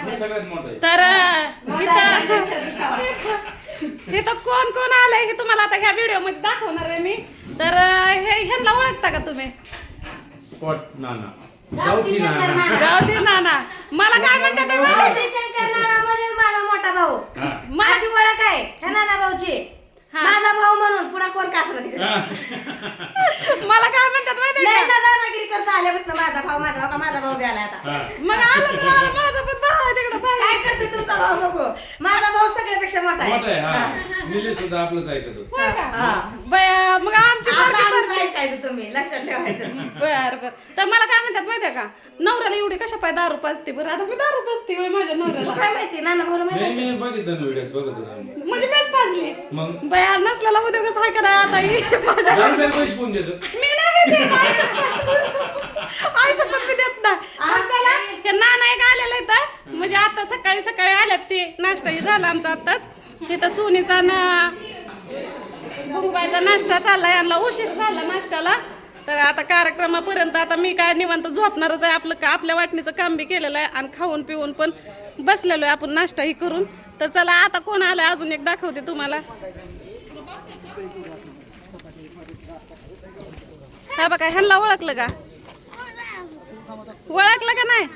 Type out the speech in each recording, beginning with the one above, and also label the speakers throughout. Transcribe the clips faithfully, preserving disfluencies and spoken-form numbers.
Speaker 1: तर इथं कोण कोण आलंय हे तुम्हाला आता ह्या व्हिडिओ मध्ये दाखवणार आहे मी. तर हे ह्यांना ओळखता का तुम्ही?
Speaker 2: स्पॉट नाना
Speaker 1: गावठी नाना. मला काय म्हणतात ते माहिती?
Speaker 3: गावठी शंकर नाना म्हणजे माझा मोठा भाऊ. माझी ओळख आहे ह्या नाना भाऊची. माझा भाऊ म्हणून पुन्हा कोण कासरा तिकडे.
Speaker 1: मला काय म्हणतात माहिती
Speaker 3: लय
Speaker 1: आहे
Speaker 3: ना दादागिरी करता आल्यापासून माझा भाऊ माझा भाऊ का माझा भाऊ बी आला आता.
Speaker 1: का? मग आलं तर आलं, माझा पण भाऊ आहे तिकडे बाहेर.
Speaker 3: काय करते तुमचा भाऊ बघू. माझा भाऊ सगळ्यापेक्षा मोठा आहे.
Speaker 2: मोठा आहे हा. निलेश सुद्धा आपलंच ऐकतो.
Speaker 1: होय का? बया, मग आमची
Speaker 3: आता
Speaker 1: पोरगी
Speaker 3: आमचं
Speaker 1: पण-
Speaker 3: ऐकायचं तुम्ही लक्षात ठेवायचं.
Speaker 1: बर बर. तर मला काय म्हणतात माहितीये का, नवऱ्याला एवढी कशा पाय दारू पाजते बरं. आता मी दारू पाजते होय माझ्या नवऱ्याला.
Speaker 3: काय माहिती नाना भाऊ माहिती
Speaker 2: नाही
Speaker 3: असेल.
Speaker 2: मी बघितलं ना व्हिडिओत बघत होतो.
Speaker 1: म्हणजे मीच पाजली.
Speaker 2: मग
Speaker 1: बया नसलेला उद्योगच आहे करा आता ही. माझ्या
Speaker 2: दहा रुपये पैसे कोण देतो?
Speaker 1: मी नाही देत आयुष्यात मी देत नाही. मग चला हे नाना एक आलेला इथं, म्हणजे आता सकाळी सकाळी आल्यात ते. नाश्ताही झाला आमचा आताच. इथं सोनीचा ना बुंबाईचा नाश्ता चाललाय. यांना उशीर झाला नाश्त्याला. तर आता कार्यक्रमापर्यंत आता मी काय निवांत झोपणारच आहे. आपलं का आपल्या वाटणीचं काम बी केलेलं आहे आणि खाऊन पिऊन पण बसलेलो आहे आपण नाश्ताही करून. तर चला आता कोण आलाय अजून एक दाखवते तुम्हाला. हा बघा ह्यांना ओळखलं का? ओळखलं का नाही?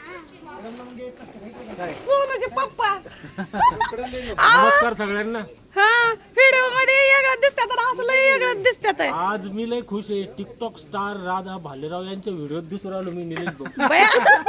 Speaker 1: सोनूचे पप्पा.
Speaker 4: नमस्कार सगळ्यांना.
Speaker 1: हा व्हिडिओ मध्ये वेगळं दिसतात तर असं लय वेगळं दिसतात.
Speaker 4: आज मी लय खुश आहे. टिकटॉक स्टार राधा भालेराव यांच्या व्हिडिओत दिसून राहिलो मी निलेश भाऊ.
Speaker 1: बया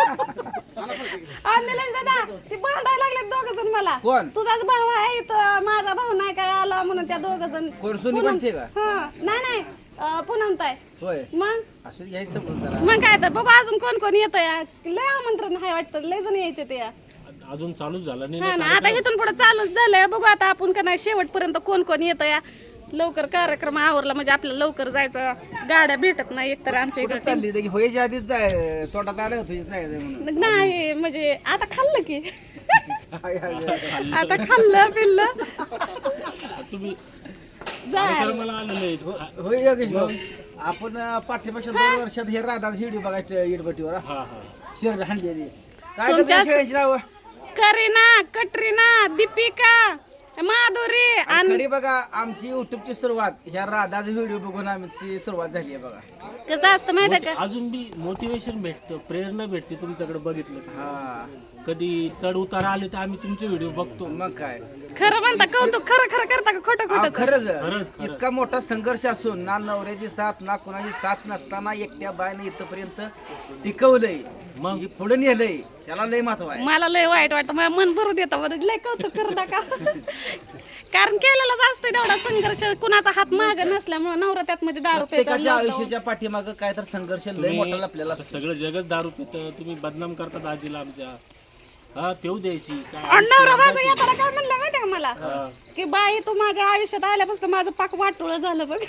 Speaker 1: आणि निलेश दादा ते भांडायला लागले दोघ जण मला.
Speaker 5: कोण?
Speaker 1: तुझाच भाऊ आहे इथं, माझा भाऊ नाही काय आला म्हणून त्या दोघ जण.
Speaker 5: कोण सोनी म्हणते का?
Speaker 1: हा नाही नाही पुनम ताई.
Speaker 5: होय
Speaker 1: मग
Speaker 5: असं घ्यायचं समजून जरा.
Speaker 1: मग काय तर बघू अजून कोण कोण येतं या. लय आमंत्रण आहे वाटतं, लय जण यायचे ते या.
Speaker 4: अजून चालूच झालं नाही
Speaker 1: हा
Speaker 4: ना
Speaker 1: ना आता इथून पुढे चालूच झालंय. बघू आता आपण का नाही शेवटपर्यंत कोण कोण येतं या. लवकर कार्यक्रम आवरला म्हणजे आपल्याला लवकर जायचं. गाड्या भेटत नाही एकतर आमच्या
Speaker 5: कुठं
Speaker 1: इकडे.
Speaker 5: चालली तर की व्हायच्या आधीच जाय तोटात आलं होतं तुझी जायचं म्हणून.
Speaker 1: नाही म्हणजे आता खाल्लं की.
Speaker 5: हाय, हाय, हाय.
Speaker 1: आता खाल्लं पिल्लं
Speaker 4: तुम्ही
Speaker 1: जाय.
Speaker 4: मला आलेलं आहे.
Speaker 5: होय योगेश भाऊ आपण पाठीमागच्या दोन वर्षात हे राधाच व्हिडिओ बघायचं इडबटीवर
Speaker 4: हा हा
Speaker 5: शेर हाणलेली. काय
Speaker 1: तुमच्या-
Speaker 5: करतो शेळ्यांची नाव
Speaker 1: करीना, कटरीना, दीपिका, माधुरी आणि
Speaker 5: खरी बघा आमची युट्यूबची सुरुवात ह्या राधाचा व्हिडिओ बघून आमची सुरुवात झाली आहे बघा.
Speaker 1: कसं असतं माहिती आहे का?
Speaker 4: अजून बी मोटिवेशन भेटतं, प्रेरणा भेटते तुमच्याकडे बघितलं की.
Speaker 5: हा
Speaker 4: कधी चढ उतार आले तर आम्ही तुमचे व्हिडिओ बघतो.
Speaker 5: मग काय
Speaker 1: खरं म्हणता कौतुक, खरं खरं करता का खोटं
Speaker 5: अहो,
Speaker 1: खोटं?
Speaker 5: खरंच
Speaker 4: खरंच, खरंच.
Speaker 5: इतका मोठा संघर्ष असून ना नवऱ्याची साथ ना कुणाची साथ नसताना एकट्या बायने इथपर्यंत टिकवलंय
Speaker 4: मग?
Speaker 5: मग पुढे नेलंय त्याला लय महत्व आहे.
Speaker 1: मला लय वाईट वाटतं, मला मन भरून येतं बरं. लय कौतुक करू नका. कारण केलेलाच असतं तेवढा संघर्ष. कुणाचा हात माग नसल्यामुळे नवरा त्यात मध्ये दारू
Speaker 5: प्रत्येकाच्या
Speaker 1: प्यायचा.
Speaker 5: आयुष्याच्या पाठीमाग काय तर संघर्ष लय
Speaker 4: तुम्ही-
Speaker 5: मोठा आपल्याला
Speaker 4: आता सगळं जगच दारू पितं. तुम्ही बदनाम करतात आजीला आमच्या. हा पेऊ द्यायची काय
Speaker 1: आणि नवरा माझा येताना काय म्हणलं माहिती का मला,
Speaker 4: हा.
Speaker 1: की बाई तू माझ्या आयुष्यात आल्यापासून माझं पाक वाटोळं झालं बघ.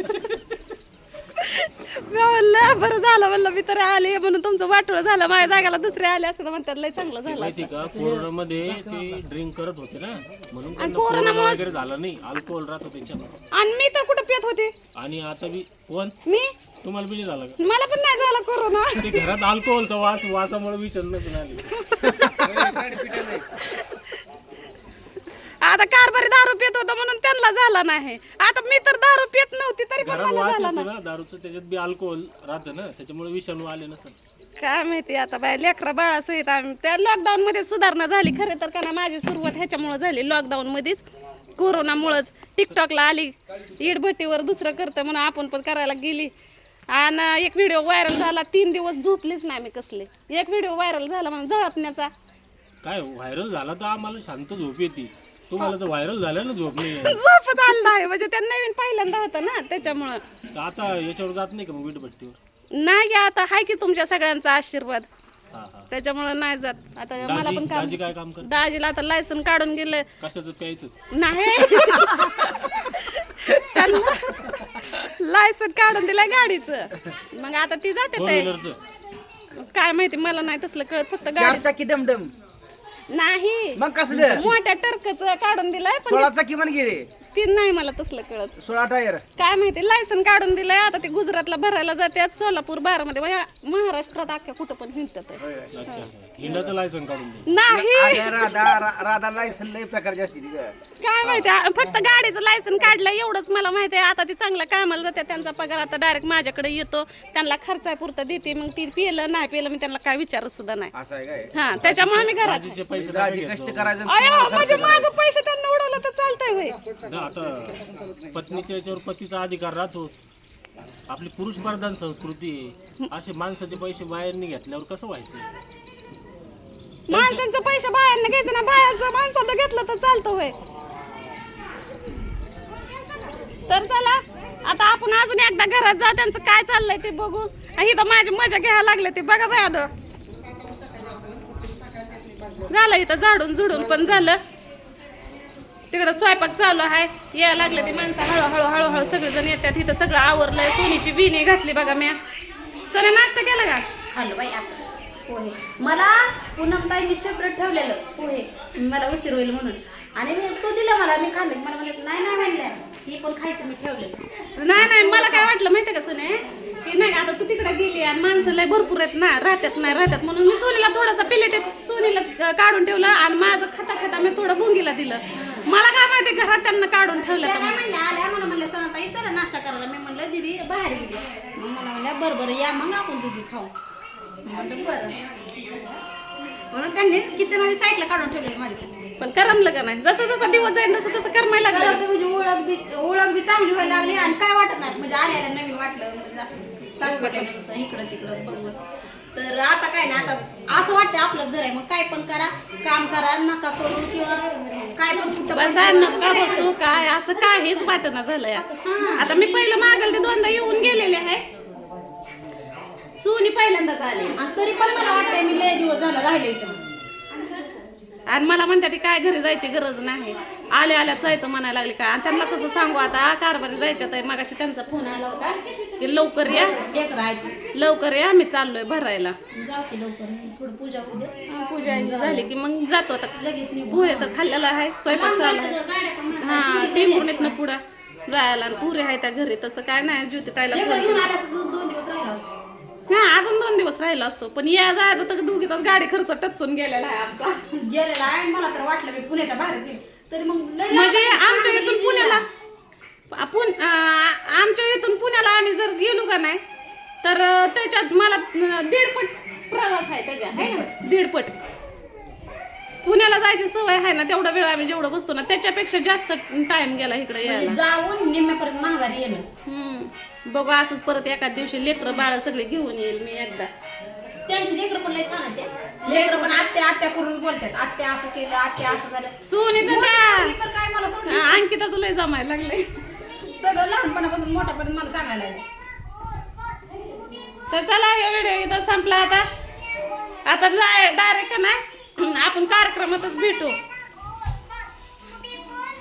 Speaker 1: मी म्हणलं बरं झालं म्हणलं मी तर आले म्हणून तुमचं वाटोळं झालं. माझ्या जागाला दुसरे आले असतं म्हणतात लय चांगलं झालं.
Speaker 4: माहिती का कोरोनामध्ये ते ड्रिंक करत होते ना म्हणून त्यांना
Speaker 1: कोरोनामुळे-
Speaker 4: कोरोना वगैरे झाला नाही. अल्कोहोल राहत होते त्याच्यात.
Speaker 1: आणि मी तर कुठं पित होते.
Speaker 4: आणि आता बी कोण
Speaker 1: मी
Speaker 4: तुम्हाला बी नाही झाला का?
Speaker 1: मला पण नाही झाला कोरोना.
Speaker 4: ते घरात अल्कोहोलचा वास वासामुळे विषण नसून आली.
Speaker 1: आता कारभारी दारू पित होता म्हणून त्यांना झाला नाही. आता मी तर दारू पित नव्हती तरी पण
Speaker 4: घरात
Speaker 1: मला
Speaker 4: वास
Speaker 1: झाला
Speaker 4: येतो
Speaker 1: नाही.
Speaker 4: ना दारूचं त्याच्यात बी अल्कोहोल राहतं ना त्याच्यामुळे विषाणू आले नसेल.
Speaker 1: काय माहिती आता बाय लेकरा बाळासहित आम्ही त्या लॉकडाऊन मध्ये सुधारणा झाली खरे तर. का ना माझी सुरुवात ह्याच्यामुळे झाली लॉकडाऊन मध्येच, कोरोनामुळेच. टिकटॉकला आली इडभट्टीवर दुसरं करतं म्हणून आपण पण करायला गेली. आणि एक व्हिडिओ व्हायरल झाला. तीन दिवस झोपलीच नाही मी कसले. एक व्हिडिओ व्हायरल झाला म्हणून झळपण्याचा.
Speaker 4: काय व्हायरल झाला तर आम्हाला शांत झोप येते. तुम्हाला तर व्हायरल झालं ना झोप नाही.
Speaker 1: झोपच आलं नाही म्हणजे त्या नवीन पहिल्यांदा होतं ना त्याच्यामुळं.
Speaker 4: तर आता याच्यावर जात नाही का मग वीटभट्टीवर?
Speaker 1: नाही गे आता हाय की तुमच्या सगळ्यांचा आशीर्वाद,
Speaker 4: हा हा.
Speaker 1: त्याच्यामुळे नाही जात. आता मला
Speaker 4: दाजी
Speaker 1: पण काम,
Speaker 4: दाजी काय काम करत?
Speaker 1: दाजीला आता लायसन काढून गेलं.
Speaker 4: कशाचं प्यायचं?
Speaker 1: नाही त्यांना लायसन काढून दिलंय गाडीचं. मग आता ती जाते
Speaker 4: फोर
Speaker 1: ते
Speaker 4: व्हीलरचं?
Speaker 1: काय माहिती मला नाही तसलं कळत. फक्त
Speaker 5: चार
Speaker 1: गाडी
Speaker 5: चाकी डमडम
Speaker 1: नाही
Speaker 5: मग कसलं
Speaker 1: मोठ्या टर्कच काढून दिलंय पण
Speaker 5: सोळा चाकी म्हण गेले
Speaker 1: ती नाही मला तसलं कळत.
Speaker 5: सोळा टायर
Speaker 1: काय माहिती लायसन काढून दिलंय आता ते गुजरातला भरायला जातात, सोलापूर बारामध्ये म्हणजे महाराष्ट्रात अख्ख्या कुठं पण हिंडतात आहे.
Speaker 4: अच्छा अच्छा. हिंडाचं लायसन काढून दे.
Speaker 1: नाही
Speaker 5: अगं राधा रा- राधा लायसन लय प्रकारची असते ती गं.
Speaker 1: काय माहिती आ- फक्त गाडीचं लायसन काढलं एवढंच मला माहिती आहे. आता ती चांगल्या कामाला जाते, त्यांचा पगार आता डायरेक्ट माझ्याकडे येतो, त्यांना खर्चापुरता देते. मग ती पिलं नाही पिलं मी त्यांना काय विचारत सुद्धा नाही.
Speaker 5: असं आहे काय
Speaker 1: हा त्याच्यामुळे मी घरात
Speaker 4: दाजीचे पैसे
Speaker 5: दाजी
Speaker 4: टाका
Speaker 5: कष्ट
Speaker 4: घेतो.
Speaker 5: करायचं
Speaker 1: अयो म्हणजे माझं पैसे त्यांना उडवलं तर चालतंय होय.
Speaker 4: ना, आता पत्नीच्या याच्यावर पतीचा अधिकार राहतोच. आपली पुरुष प्रधान संस्कृती आहे. असे माणसाचे पैसे बाहेरनी घेतल्यावर कसं व्हायचं?
Speaker 1: माणसांचं पैसे बाहेरनं घ्यायचं ना, बाहेरचं माणसाचं घेतलं तर चालतं होय. तर चला आता आपण अजून एकदा घरात जाऊ, त्यांचं काय चाललंय ते बघू. इथं माझी मजा घ्यायला लागले ते बघा बाया. झालं इथं झाडून झुडून पण झालं, तिकडं स्वयंपाक चालू आहे, यायला लागले ती माणसं हळूहळू हळूहळू सगळेजण येतात. इथं सगळं आवरलंय, सोनीची विणी घातली बघा म्या. सोन्या नाश्ता केला का?
Speaker 3: खाल्लं बाई आपण पोहे. मला पूनमताई मी सेपरेट ठेवलेलं पोहे, मला उशीर होईल म्हणून, आणि मी तो दिला मला, मी खाल्ले. मला म्हणलं नाही नाही म्हणल्या ही पण खायचं, मी ठेवलेलं.
Speaker 1: नाही नाही मला काय वाटलं माहितीये का सोने, की नाही आता तू तिकडे गेली आणि माणसं लय भरपूर आहेत ना, राहतात नाही राहतात म्हणून मी सोनीला थोडासा प्लेटेत सोनीला काढून ठेवलं आणि माझं खाता खाता मी थोडं भोंगीला दिलं. मला काय माहिती घरात त्यांना काढून ठेवलं.
Speaker 3: त्या
Speaker 1: तर
Speaker 3: काय म्हणल्या आल्या, मला म्हणलं सोनाताई चला नाश्ता करायला. मी म्हणलं दीदी बाहेर गेली. मग मला म्हणल्या बरं बरं या मग आपण दोघी खाऊ. म्हणलं बरं, म्हणून त्यांनी किचनमध्ये साईडला काढून ठेवले माझ्यासाठी.
Speaker 1: पण करमलं का नाही, जसं जसं दिवस जाईल तसं तसं करमायला लागलं.
Speaker 3: मला म्हणजे ओळख बी ओळख बी चांगली व्हायला लागली आणि काय वाटत नाही, म्हणजे आल्याला नवीन वाटलं, म्हणजे असं सासूबाईला होतं इकडं तिकडं बघून. तर आता काय नाही, आता असं वाटतं आपलंच घर आहे. मग काय पण करा, काम करा, नका करू किंवा काय पण कुठं पण
Speaker 1: बसा नका बसू काय असं काहीच वाटणं झालंय. आता मी पहिलं मागल ते दोनदा येऊन गेलेले आहे, सोनी पहिल्यांदाच आली
Speaker 3: आणि तरी पण मला वाटतंय मी लय दिवस झालं राहिले इथं.
Speaker 1: आणि मला म्हणतात ती काय घरी जायची गरज नाही, आल्या आल्या जायचं म्हणायला लागले काय. आणि त्यांना कसं सांगू आता, कारभारी जायच्या तर मगाशी त्यांचा फोन आला होता की लवकर या
Speaker 3: एक राहायचं
Speaker 1: लवकर या, आम्ही चाललोय भरायला.
Speaker 3: जाऊ की लवकर, थोडं पूजा पूजा
Speaker 1: पूजा यांची झाली की मग जातो. आता
Speaker 3: लगेच निघू.
Speaker 1: पोहे तर खाल्लेला आहे, स्वयंपाक चालू आहे.
Speaker 3: गाड्या पण म्हणतात.
Speaker 1: हा टेम्पोनेतनं पुढं जायला आणि पुरे आहे त्या घरी. तसं काय नाही, ज्योती ताईला
Speaker 3: लेकरं
Speaker 1: फोन
Speaker 3: घेऊन
Speaker 1: केला.
Speaker 3: आल्या तर दोन दोन दिवस राहिला असतो.
Speaker 1: हा अजून दोन दिवस राहिला असतो, पण या जायचं तर दोघीचाच गाडी खर्च टचून गेलेला आहे आमचा.
Speaker 3: गेलेला आहे. मला तर वाटलं मी पुण्याच्या बाहेर गेले तरी मग लय लांब
Speaker 1: म्हणजे
Speaker 3: आहे.
Speaker 1: आमच्या इथून पुण्याला आपण आमच्या इथून पुण्याला आम्ही जर गेलो का नाही तर अं, त्याच्यात मला अं, दीडपट प्रवास आहे त्याच्या, आहे ना दीडपट. पुण्याला जायची सवय आहे ना, तेवढा वेळ आम्ही जेवढं बसतो ना त्याच्यापेक्षा जास्त टाइम गेला इकडे यायला.
Speaker 3: म्हणजे जाऊन निम्म्यापर्यंत माघारी येणं.
Speaker 1: हम्म बघू असंच परत एका दिवशी लेकरं बाळ सगळे घेऊन येईल मी एकदा.
Speaker 3: त्यांची लेकरं पण लय छान आहेत त्या. लेकरं पण आत्या आत्या करून बोलतात, आत्या असं केलं, आत्या असं झालं.
Speaker 1: सोनीचं
Speaker 3: मोठी
Speaker 1: त्या
Speaker 3: मुलगी तर काय मला सोडलं,
Speaker 1: हा, अंकिताचं लय जमायला लागलंय.
Speaker 3: सगळं लहानपणापासून मोठ्यापर्यंत मला सांगायला लागलं.
Speaker 1: तर चला हा व्हिडिओ इथं संपला. आता आता डायरेक्ट ना आपण कार्यक्रमातच भेटू.